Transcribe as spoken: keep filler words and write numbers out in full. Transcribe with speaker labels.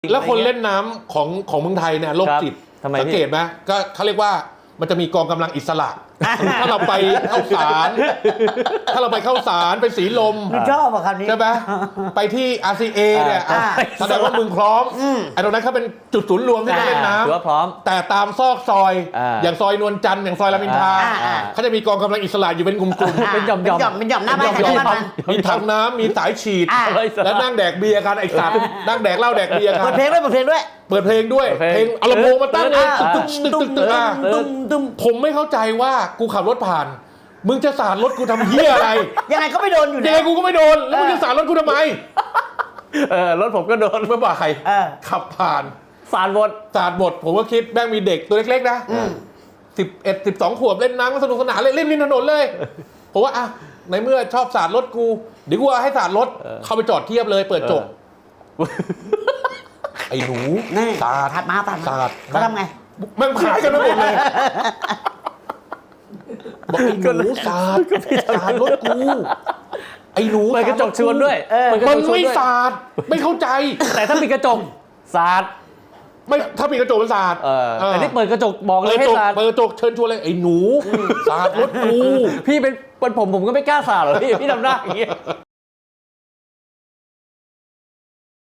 Speaker 1: แล้วคนเล่นน้ำของของเมืองไทยเนี่ยโรคจิตสังเกตไหมก็เขาเรียกว่ามันจะมีกองกำลังอิสระถ้าเราไปเข้าสารถ้าเราไปเข้าสารไปสีลม
Speaker 2: ชอบอะคำนี้
Speaker 1: ใช่ไหมไปที่ อาร์ ซี เอ เนี่ยแสดงว่ามึงพร้อมไอ้ตรงนั้นเขาเป็นจุดศูนย์รวมที่จะเล่นน้ำ
Speaker 3: ถือว่าพร้อม
Speaker 1: แต่ตามซอกซอยอย่างซอยนวลจันทร์อย่างซอยรามอินทราเขาจะมีกองกำลังอิสระอยู่เป็นกลุ่มๆ
Speaker 3: เป็นหย่อมๆ
Speaker 2: เป็นหย่อมหน้าบ้าน
Speaker 1: มีถังน้ำมีสายฉีดแล้วนั่งแดกเบียร์กันไอ้สัตว์นั่งแดกเหล้าแดกเบียร์กัน
Speaker 2: เปิดเพลงด้วยเปิดเพลงด้วย
Speaker 1: เปิดเพลงด้วยเพลงเอาลำโพงมาตั้งตึ๊กตึ๊กตึ๊กตึ๊กตึ๊กผมไม่เข้าใจว่ากูขับรถผ่านมึงจะสาดรถกูทำเหี้ยอะไร
Speaker 2: ยังไงก็ไม่โดนอยู่
Speaker 1: ดีกูก็ไม่โดนแล้วมึงจะสาดรถกูทำไม
Speaker 3: เออรถผมก็โดน
Speaker 1: เมื่อบ่ายใครขับผ่าน
Speaker 3: สาดหมด
Speaker 1: สาดหมดผมก็คิดแม่งมีเด็กตัวเล็กๆนะสิบเอ็ดสิบสองขวบเล่นน้ำก็สนุกสนานเลยเล่นริมถนนเลยผมว่าอ่ะในเมื่อชอบสาดรถกูเดี๋ยวกูให้สาดรถเข้าไปจอดเทียบเลยเปิดจบไอ้หนูสาด
Speaker 2: ถัดมาถัดมา
Speaker 1: สาด
Speaker 2: เขาทำไง
Speaker 1: มันขายกันไปหมดเลยบอกไอ้หนูสาดสาดรถกูไอ้หนู
Speaker 3: เปิดกระจกชวนด้วย
Speaker 1: มันไม่สาดไม่เข้าใจ
Speaker 3: แต่ถ้าปิดกระจกสาด
Speaker 1: ไม่ถ้าปิดกระจกมันสาด
Speaker 3: แต่นี่เปิดกระจกบอกเลยให้สาด
Speaker 1: เปิดกระจกเชิญชวนเลยไอ้หนูสาดรถกู
Speaker 3: พี่เป็นเป็นผมผมก็ไม่กล้าสาดหรอกพี่พี่ทำหน้าอย่างเงี้ย